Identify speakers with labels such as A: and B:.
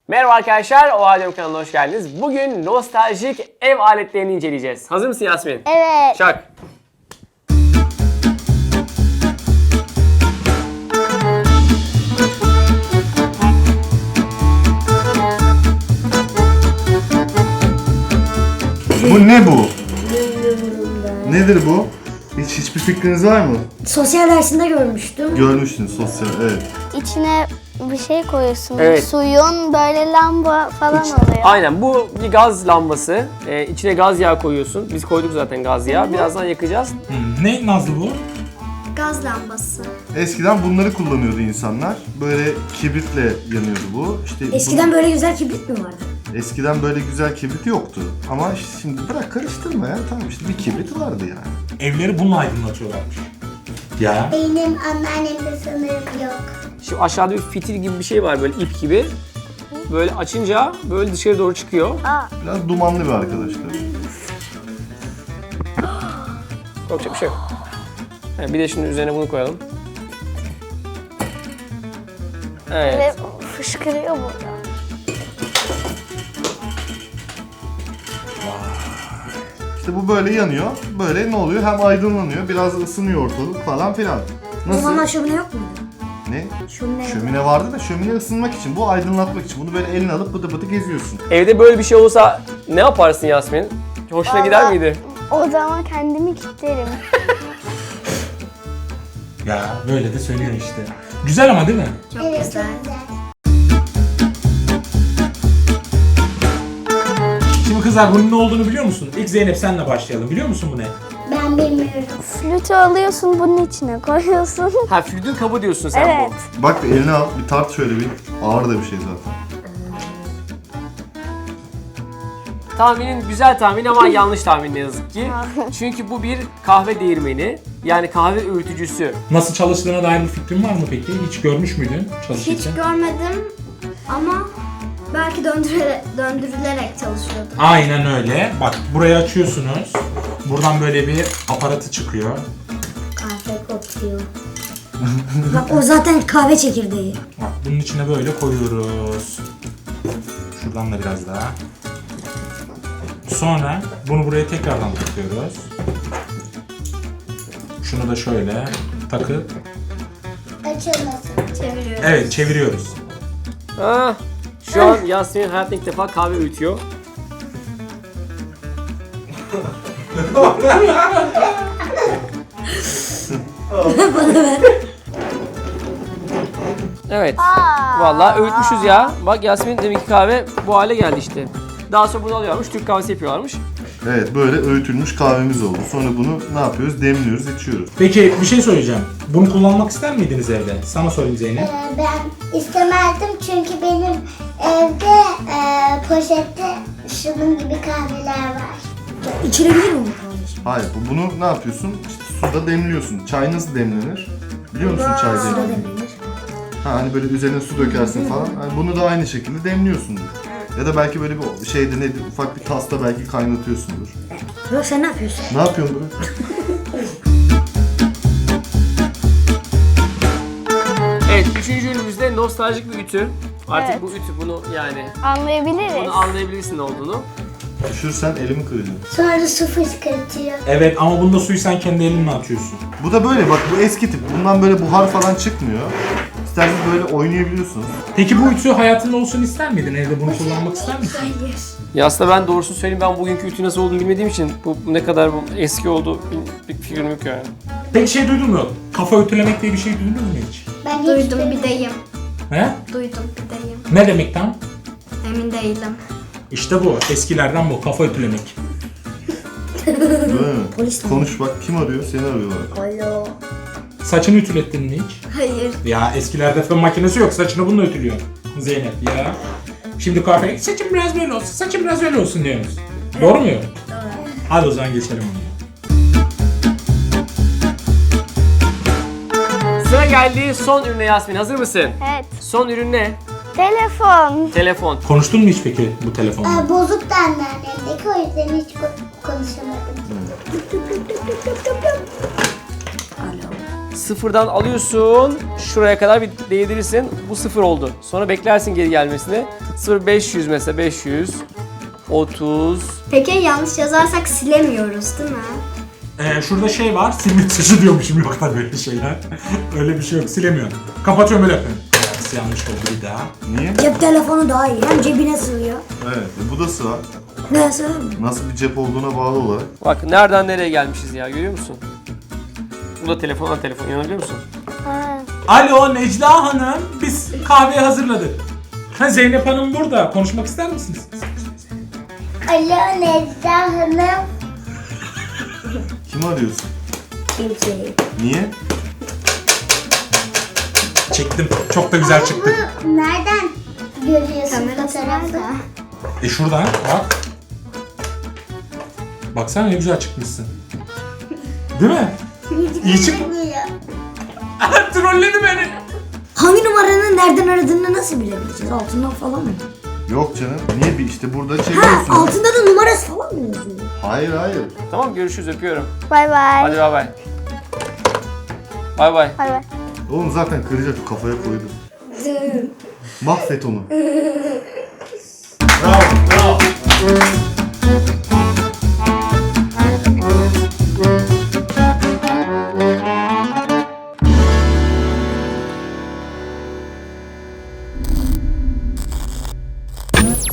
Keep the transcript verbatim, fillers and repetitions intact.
A: Merhaba arkadaşlar, Oha Diyorum kanalına hoş geldiniz. Bugün nostaljik ev aletlerini inceleyeceğiz. Hazır mısın Yasmin?
B: Evet.
A: Çak.
C: Bu ne bu? Nedir bu? Hiç hiçbir fikriniz var mı?
D: Sosyal dersinde görmüştüm.
C: Görmüştünüz sosyal, evet.
B: İçine bir şey koyuyorsun.
A: Evet.
B: Suyun böyle lamba falan oluyor.
A: Aynen, bu bir gaz lambası. Ee, içine gaz yağı koyuyorsun. Biz koyduk zaten gaz yağı. Birazdan yakacağız.
E: Hmm, Ne Nazlı bu?
D: Gaz lambası.
C: Eskiden bunları kullanıyordu insanlar. Böyle kibritle yanıyordu bu. İşte
D: Eskiden böyle güzel kibrit mi vardı?
C: bu- eskiden böyle güzel kibrit yoktu. Ama şimdi bırak karıştırma ya. Tamam işte bir kibrit vardı yani.
E: Evleri bununla aydınlatıyorlarmış. Ya.
B: Benim anneannemde sanırım yok.
A: Şu aşağıda bir fitil gibi bir şey var, böyle ip gibi. Böyle açınca böyle dışarı doğru çıkıyor.
C: Biraz dumanlı bir arkadaşlar.
A: Korkacak bir şey yok. Yani bir de şimdi üzerine bunu koyalım. Evet.
B: Ve fışkırıyor burada.
C: İşte bu böyle yanıyor. Böyle ne oluyor? Hem aydınlanıyor, biraz ısınıyor ortalık falan filan.
D: O zamanlar
C: Nasıl?
D: şömine yok muydu?
C: Ne?
D: Şömine.
C: Şömine vardı da şömine ısınmak için, bu aydınlatmak için. Bunu böyle eline alıp bıdı bıdı geziyorsun.
A: Evde böyle bir şey olsa ne yaparsın Yasmin? Hoşuna gider
B: Vallahi-
A: miydi?
B: O zaman kendimi kilitlerim.
E: Ya böyle de söylüyor işte. Güzel ama değil mi?
D: Çok güzel.
E: Şimdi kızlar bunun ne olduğunu biliyor musun? İlk Zeynep senle başlayalım. Biliyor musun bu ne?
B: Ben bilmiyorum. Flütü alıyorsun, bunun içine koyuyorsun.
A: Ha, flütün kabı diyorsun sen
B: Evet.
A: bu.
C: Bak bir eline al, bir tart şöyle bir. Ağır da bir şey zaten.
A: Tahminin güzel tahmin ama yanlış tahmin ne yazık ki. Çünkü bu bir kahve değirmeni. Yani kahve öğütücüsü.
E: Nasıl çalıştığına dair bir fikrin var mı peki? Hiç görmüş müydün
D: Hiç
E: çalışırken?
D: görmedim ama belki döndürülerek, döndürülerek çalışıyordu.
E: Aynen öyle. Bak burayı açıyorsunuz. Buradan böyle bir aparatı çıkıyor.
D: Kahve kokuyor. Bak o zaten kahve çekirdeği.
E: Bak bunun içine böyle koyuyoruz. Şuradan da biraz daha. Sonra bunu buraya tekrardan takıyoruz. Şunu da şöyle takıp
B: Açılmasın.
D: Çeviriyoruz.
E: evet çeviriyoruz.
A: Ah, şu an Yasmin hayatında ilk defa kahve öğütüyor. Evet. Vallahi öğütmüşüz ya. Bak Yasmin deminki kahve bu hale geldi işte. Daha sonra bunu alıyorlarmış, Türk kahvesi yapıyorlarmış.
C: Evet, böyle öğütülmüş kahvemiz oldu. Sonra bunu ne yapıyoruz? Demliyoruz, içiyoruz.
E: Peki bir şey söyleyeceğim. Bunu kullanmak ister miydiniz evde? Sana sorayım Zeynep.
F: Ee, Ben istemezdim çünkü benim evde e, poşette şunun gibi kahveler var.
D: İçilebilir mi bu kahve şimdi?
C: Hayır, bu- bunu ne yapıyorsun? İşte suda demliyorsun. Çay nasıl demlenir? Biliyor musun çay
D: Suda
C: demlenir?
D: demlenir.
C: Ha, hani böyle üzerine su dökersin falan. Hani bunu da aynı şekilde demliyorsundur. Ya da belki böyle bir şeyde nedir, ufak bir tasta belki kaynatıyorsundur.
D: Bro sen ne yapıyorsun?
C: Ne yapıyorsun bunu?
A: Evet, üçüncü ürünümüzde nostaljik bir ütü. Artık
B: Evet.
A: bu ütü bunu yani
B: Anlayabiliriz.
A: bunu anlayabilirsin ne olduğunu.
C: Düşürsen elimi kıracağım.
F: Sonra su fışkırtıyor.
E: Evet ama bunda suyu sen kendi elinle atıyorsun.
C: Bu da böyle bak, bu eski tip. Bundan böyle buhar falan çıkmıyor. İsterseniz böyle oynayabiliyorsunuz.
E: Peki bu ütü hayatında olsun ister miydin? Evde bunu kullanmak ister misin?
D: Hayır.
A: Ya aslında ben doğrusunu söyleyeyim, ben bugünkü ütü nasıl olduğunu bilmediğim için bu bu ne kadar bu eski oldu bir, bir fikrim yok yani.
E: Peki şey duydun mu? Kafa ütülemek diye bir şey duydunuz mu hiç?
F: Ben hiç
D: Duydum
F: duymadım.
D: bir deyim.
E: He?
D: Duydum bir deyim.
E: Ne demek tam?
D: Emin değilim.
E: İşte bu. Eskilerden bu. Kafa ütülemek.
C: Değil mi?
D: Polis mi?
C: Konuş bak, kim arıyor? Seni arıyorlar.
D: Alo.
E: Saçını ütülettin mi hiç?
D: Hayır.
E: Ya eskilerde fön makinesi yok. Saçını bununla ütülüyor. Zeynep ya. Şimdi kahveye saçım biraz böyle olsun, saçım biraz öyle olsun diyoruz. Doğru mu? Doğru. Hadi o zaman geçelim onu.
A: Sıra geldi son ürüne Yasmin, hazır mısın?
B: Evet.
A: Son ürün ne?
B: Telefon.
A: Telefon.
E: Konuştun mu hiç peki bu telefonla?
F: Aa, bozuk da anneannemdeki, o yüzden hiç ko- konuşamadım.
D: Alo.
A: Sıfırdan alıyorsun. Şuraya kadar bir değdirirsin. Bu sıfır oldu. Sonra beklersin geri gelmesini. sıfır beş yüz mesela beş yüz. otuz.
D: Peki yanlış yazarsak silemiyoruz değil mi?
E: Ee, şurada şey var, silme tuşu diyormuşum, yok da böyle şeyler. Öyle bir şey yok, silemiyorum. Kapatıyorum öyle yapıyorum. Evet, yanlış oldu bir daha.
C: Niye?
D: Cep telefonu daha iyi. Hem cebine sığıyor.
C: Evet, e, bu da sığar.
D: Ne sığıyor?
C: Nasıl bir cep olduğuna bağlı olarak.
A: Bak nereden nereye gelmişiz ya, görüyor musun? Bu da telefondan telefon, inanabiliyor musun?
B: Ha.
E: Alo Necla Hanım, biz kahveyi hazırladık. Ha, Zeynep Hanım burada, konuşmak ister misiniz?
F: Alo Necla Hanım.
C: Kimi arıyorsun?
D: Kimseyi.
C: Niye?
E: Çektim, çok da güzel çıktı.
F: Bu nereden görüyorsun
D: Kamerası
F: fotoğrafta?
D: nerede?
E: E şuradan, bak. Baksana ne güzel çıkmışsın. Değil mi? İyi çık. Trolledi beni.
D: Hangi numaranın nereden aradığını nasıl bilebileceğiz? Altından falan mı?
C: Yok canım. Niye bir işte burada
D: Ha,
C: çekiyorsun?
D: altında da numarası falan mı yazıyor?
C: Hayır hayır.
A: Tamam, görüşürüz, öpüyorum.
B: Bay bay.
A: Hadi bay bay. Bay bay.
B: Bay bay.
C: Oğlum zaten kıracak, kafaya koydum. Mahvet onu.